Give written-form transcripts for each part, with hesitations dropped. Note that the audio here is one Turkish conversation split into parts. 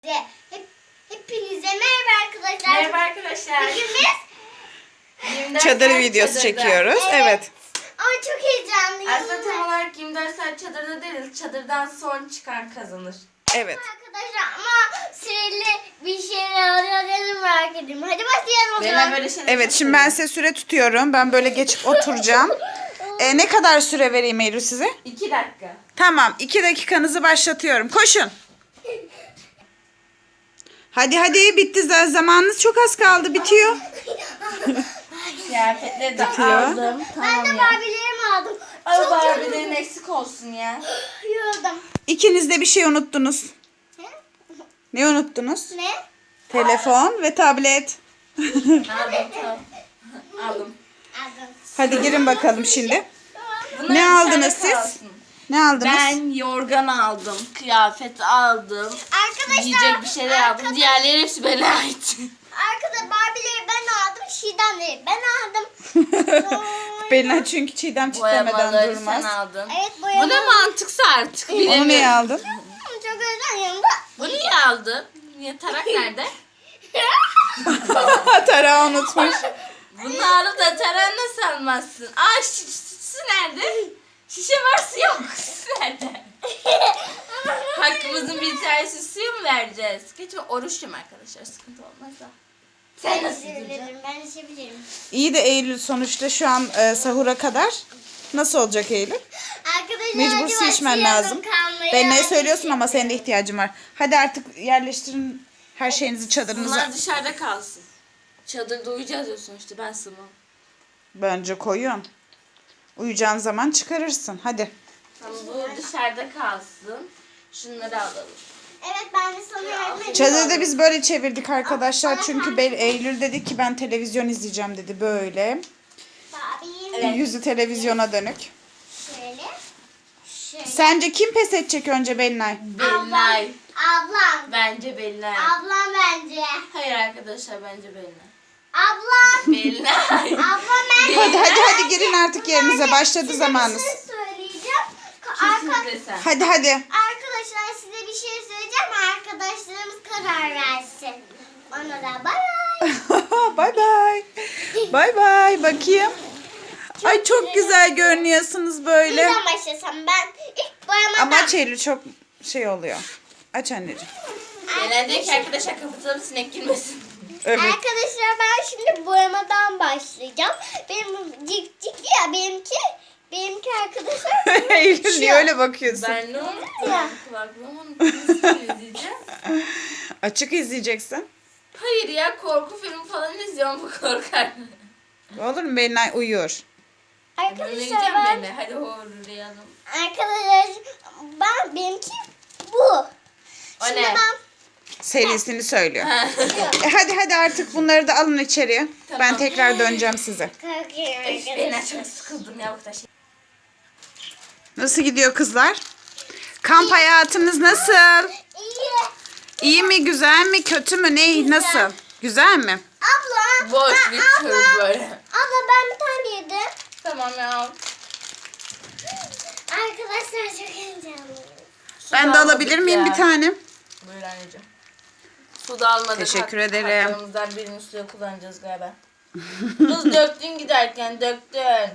Hepinize merhaba arkadaşlar. Merhaba arkadaşlar. Bugün biz Çadır videosu çekiyoruz. Evet. Ama çok heyecanlıyım. Aslında tam olarak 24 saat çadırda değil, çadırdan son çıkan kazanır. Evet. Arkadaşlar ama süreli bir şeyler oluyor. Merak ediyorum. Hadi başlayalım o Ben zaman. böyle şeyler Evet, şimdi ben size süre tutuyorum. Ben böyle geçip oturacağım. Ne kadar süre vereyim Eylül size? 2 dakika. Tamam, 2 dakikanızı başlatıyorum. Koşun. Hadi bitti. Zamanınız çok az kaldı. Bitiyor. Kıyafetleri de Bitiyor. aldım. Ben Tamam de ya. Barbie'lerimi aldım. Ama Çok Barbie'lerin eksik olsun ya. yoruldum. İkiniz de bir şey unuttunuz. Ne unuttunuz? Ne? Telefon ve tablet. Aldım tamam. Aldım. Aldım. Hadi girin bakalım şimdi. Bunlar Ne aldınız dışarıda siz? kalsın. Ne aldınız? Ben yorgan aldım, kıyafet aldım, Arkadaşlar. yiyecek bir şeyler aldım. Diğerleri hepsi bana ait. Arkada Barbie'leri ben aldım. Şidanları ben aldım. Bella çünkü Çiğdem çitlemeden Boyamaları durmaz. sen aldın. Evet Bu ne boyama. mantıksa artık Onu niye bilemiyorum. aldın? Çok özür yanımda. Bu niye aldın? Niye tarak nerede? Tarağı unutmuş. Bunu alıp da tarak nasıl almazsın? Aa su nerede? Şişe var su yok. Su nerede? Hakkımızın bir tanesi suyu mu vereceğiz? Geçme oruçluyum arkadaşlar, sıkıntı olmaz da. Sen nasıl yiyeceksin? Ben içebilirim. İyi de Eylül sonuçta şu an sahura kadar. Nasıl olacak Eylül? Arkadaşlar Mecbur hadi su içmen başlayalım lazım. kalmaya. Ben ne söylüyorsun ama senin de ihtiyacın var. Hadi artık yerleştirin her şeyinizi çadırınıza. Bunlar dışarıda kalsın. Çadırda uyuyacağız ya sonuçta, ben sığmam. Bence koyun. Uyuyacağın zaman çıkarırsın. Hadi. Tamam, bu dışarıda kalsın. Şunları alalım. Evet ben de sana yardım edeyim. Çadırda biz böyle çevirdik arkadaşlar. Çünkü Eylül dedi ki ben televizyon izleyeceğim dedi böyle. Barbie'yim. Evet. Yüzü televizyona dönük. Şöyle. Şöyle. Sence kim pes edecek önce Belinay? Belinay. Ablam. Bence Belinay. Ablam bence. Hayır arkadaşlar, bence Belinay. Ablam. Belinay. Ablam ben. Hadi girin artık yerinize. Başladı Size zamanınız. bir şey söyleyeceğim. Kesinlikle sen. Hadi. Arkadaşlar size bir şey söyleyeceğim. Arkadaşlarımız karar versin. Ona da bay. Bye bye. Bye bye. Bakayım. Ay çok güzel görünüyorsunuz böyle. Neden başlasam ben ilk boyamadan. Ama Eylül çok şey oluyor. Aç anneciğim. Genelde ki arkadaşlar kapatalım, sinek girmesin. Evet. Arkadaşlar ben şimdi boyamadan başlayacağım. Benim cik ya benimki arkadaşlar. Eylül niye öyle bakıyorsun? Ben ne unuttum? Ya. Kulaklığımı unuttum. Nasıl izleyeceğim? Açık izleyeceksin. Hayır ya, korku filmi falan izliyorum, bu korkar. Olur mu? Belinay uyuyor. Arkadaşlar Dinleyeceğim ben beni. Hadi horlayalım. benimki bu. O Şimdi ne? ben Serisini söylüyor. Hadi artık bunları da alın içeriye. Ben Tamam. tekrar döneceğim size. kalkıyorum Ben arkadaşlar. çok sıkıldım ya bu taşı. Nasıl gidiyor kızlar? Kamp hayatınız nasıl? İyi. İyi mi, güzel mi, kötü mü, ne, nasıl? Güzel mi? Abla. Boş bir tür böyle. Abla ben bir tane yedim. Tamam ya. Arkadaşlar çok heyecanlıyım. Ben de alabilir miyim bir tane? Buyur anneciğim. Su da almadık. Teşekkür ederim. Haklarımızdan birini suya kullanacağız galiba. Kız döktün giderken, döktün.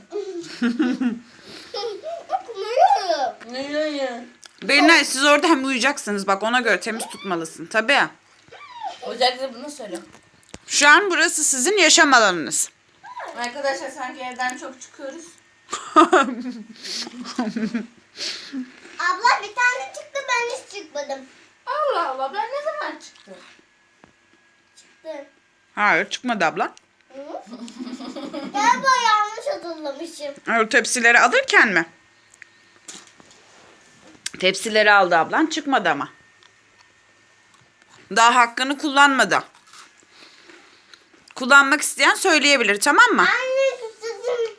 Okumuyorum. Ne? Belinay siz orada hem uyuyacaksınız. Bak ona göre temiz tutmalısın. Tabii. Özellikle bunu söyle. Şu an burası sizin yaşam alanınız. Arkadaşlar sanki evden çok çıkıyoruz. Abla bir tane çıktı ben hiç çıkmadım. Allah Allah, ben ne zaman çıktım? Çıktı. Hayır çıkmadı abla. Galiba yanlış hatırlamışım. O tepsileri alırken mi? Tepsileri aldı ablan. Çıkmadı ama. Daha hakkını kullanmadı. Kullanmak isteyen söyleyebilir, tamam mı? Anne susadım.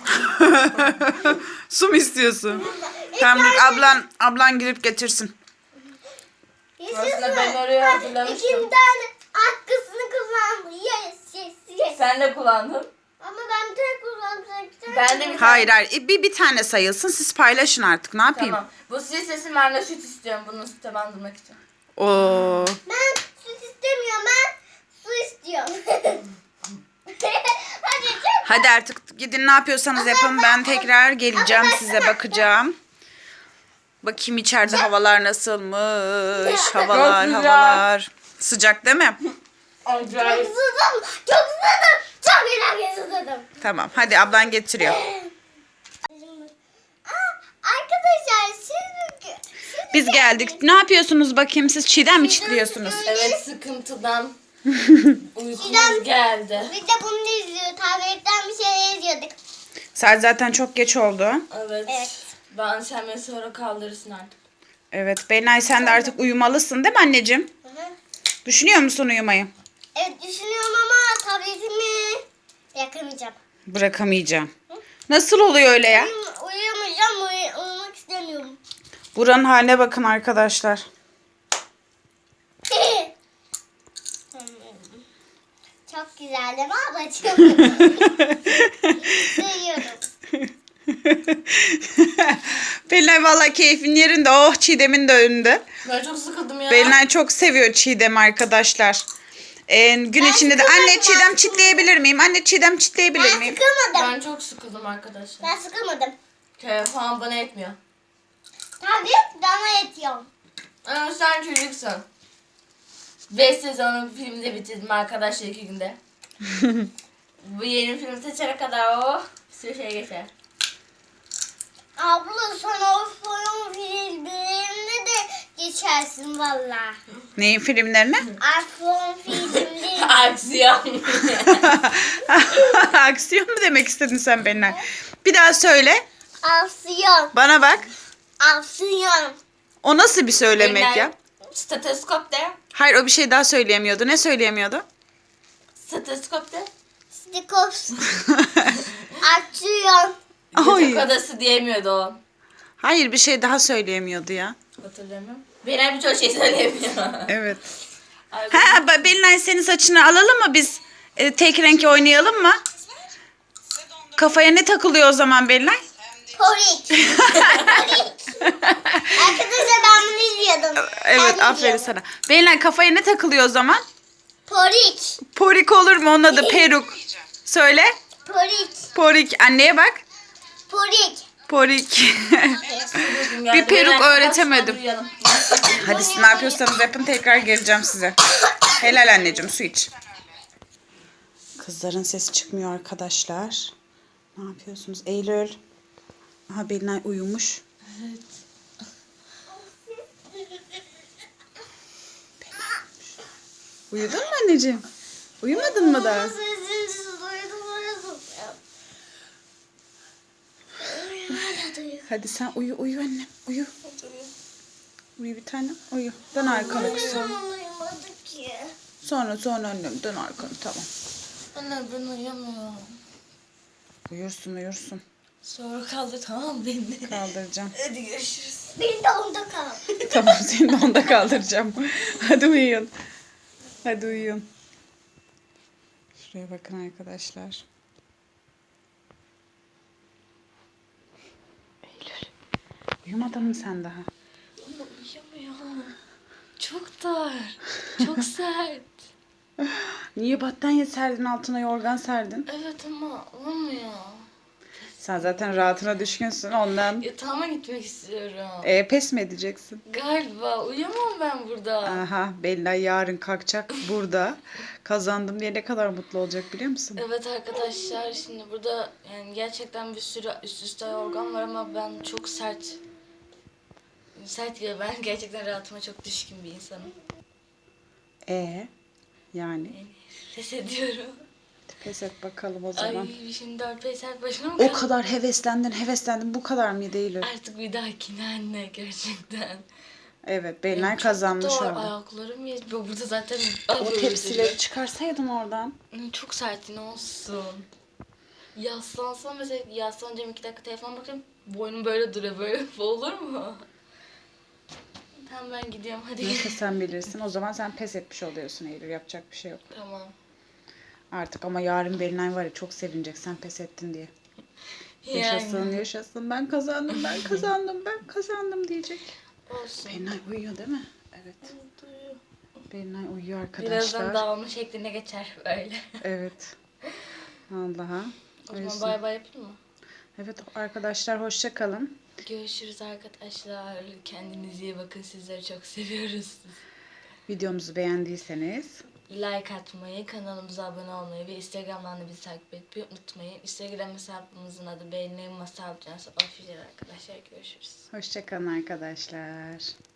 Su mu istiyorsun? Tamam dur, ablan girip getirsin. Aslında ben oraya hazırlamıştım. İki tane hakkısını kullandı. Yes. Sen de kullandın. Ama ben bir tane kullandım. Sen iki tane Ben de bir Hayır. Bir tane sayılsın. Siz paylaşın artık. Ne yapayım? Tamam. Bu sil sesim, ben de süt istiyorum bunu süte bandırmak için. Oo. Ben süt istemiyorum. Ben su istiyorum. Hadi çok. Hadi artık gidin ne yapıyorsanız yapın. Ben tekrar geleceğim size bakacağım. Bakayım içeride havalar nasılmış. Havalar güzel. havalar. Sıcak değil mi? Acayip. Susadım. Çok susadım. Çok ileride susadım. Tamam hadi ablan getiriyor. Arkadaşlar siz Biz geldik. Ne yapıyorsunuz bakayım siz çiğdem mi çitliyorsunuz? Evet, sıkıntıdan Çiğdem- uykumuz geldi. biz de bunu izliyoruz. Tabletten bir şey izliyorduk. Saat zaten çok geç oldu. Evet. Ben sen beni sonra kaldırırsın artık. Evet Belinay sen de artık uyumalısın değil mi anneciğim? Hı hı. Düşünüyor musun uyumayı? Evet düşünüyorum ama tabletimi yakamayacağım. Bırakamayacağım. Nasıl oluyor öyle ya? Uyuyamayacağım. Uyumak istemiyorum. Buranın haline bakın arkadaşlar. Çok güzel değil mi ablacığım? Seviyorum. Belinay valla keyfin yerinde. Oh Çiğdem'in de önünde. Ben çok sıkıldım ya. Belinay çok seviyor Çiğdem arkadaşlar. Gün içinde de anne sıkılmadım Çiğdem aslında. çitleyebilir miyim? Anne Çiğdem çitleyebilir Ben miyim? sıkılmadım. Ben çok sıkıldım arkadaşlar. Ben sıkılmadım. Telefon bana etmiyor. Tablet bana yetiyor. Ama sen çocuksun. 5 sezonun filmini bitirdim arkadaşlar 2 günde. Bu yeni film seçene kadar bir sürü şey geçer. Abla sana o son filmlerinde de geçersin valla. Neyin filmlerine? iPhone filmleri. Aksiyon. Aksiyon mu demek istedin sen Belinay? Bir daha söyle. Aksiyon. Bana bak. Aksiyon. O nasıl bir söylemek ya? Stetoskop de. Hayır o bir şey daha söyleyemiyordu. Ne söyleyemiyordu? Stetoskop de. Stikops. Aksiyon. Ay. Yatak odası diyemiyordu o. Hayır bir şey daha söyleyemiyordu ya. Hatırlamıyorum. Benim birçok şey söyleyemiyor. Evet. Ay, Ha Belinay senin saçını alalım mı biz? Tek renk oynayalım mı? Kafaya ne takılıyor o zaman Belinay? Porik. Porik. Arkadaşlar ben bunu izliyordum. Evet Ben aferin izliyorum. sana. Belinay kafaya ne takılıyor o zaman? Porik. Porik olur mu? Onun adı peruk. Söyle. Porik. Porik. Anneye bak. Porik. Porik. uykum geldi. bir peruk Beyler, öğretemedim. uyuyalım. Hadi siz ne yapıyorsanız yapın tekrar geleceğim size. Helal anneciğim su iç. Kızların sesi çıkmıyor arkadaşlar. Ne yapıyorsunuz? Eylül. Aha Belinay uyumuş. Uyudun mu anneciğim? Uyumadın mı daha? Sesinizi duydum. Hala duyuyorum. Hadi sen uyu annem. Uyu. Uyu bir tanem. Uyu. Dön arkanı kızım. Uyumadık ki. Sonra annem dön arkanı tamam. Anne ben uyuyamıyorum. Uyursun. Sonra kaldı tamam beni. Kaldıracağım. Hadi görüşürüz. Benim de onda kal. Tamam seni de onda kaldıracağım. Hadi uyuyun. Hadi uyuyun. Şuraya bakın arkadaşlar. Eylül. Uyumadın mı sen daha? Uyuyamıyorum. Çok dar. Çok sert. Niye battaniye serdin altına yorgan serdin? Evet ama olmuyor. Sen zaten rahatına düşkünsün ondan. Yatağıma gitmek istiyorum. Pes mi edeceksin? Galiba uyuyamam ben burada. Aha Belinay yarın kalkacak burada. Kazandım diye ne kadar mutlu olacak biliyor musun? Evet arkadaşlar şimdi burada yani gerçekten bir sürü üst üste yorgan var ama ben çok sert gibi ben gerçekten rahatıma çok düşkün bir insanım. Yani Pes ediyorum. pes et bakalım o zaman. Ay şimdi 4-5 saat başına mı O kaldım? kadar heveslendin bu kadar mı değil? Artık bir dahakine anne gerçekten. Evet Belinay Çok kazanmış zor, orada. ayaklarım yetmiyor. Burada zaten O tepsileri çıkarsaydın oradan. çok sert ne olsun. Yaslansam mesela yaslanacağım 2 dakika telefona bakayım. Boynum böyle duruyor böyle. Bu olur mu? Tamam ben gidiyorum hadi. Neyse sen bilirsin. O zaman sen pes etmiş oluyorsun Eylül. Yapacak bir şey yok. Tamam. Artık ama yarın Belinay var ya çok sevinecek sen pes ettin diye. Yaşasın ben kazandım diyecek. Olsun. Belinay uyuyor değil mi? Evet. Evet. Uyuyor. Belinay uyuyor Birazdan arkadaşlar. dağılma şekline geçer böyle. Evet. Allah'a. O zaman bay bay yapayım mı? Evet arkadaşlar hoşça kalın. Görüşürüz arkadaşlar. Kendinize iyi bakın. Sizleri çok seviyoruz. Videomuzu beğendiyseniz Like atmayı, kanalımıza abone olmayı ve Instagram'dan da bizi takip etmeyi unutmayın. Instagram hesabımızın adı Belinay Masal Cansı Official arkadaşlar. Görüşürüz. hoşça kalın arkadaşlar.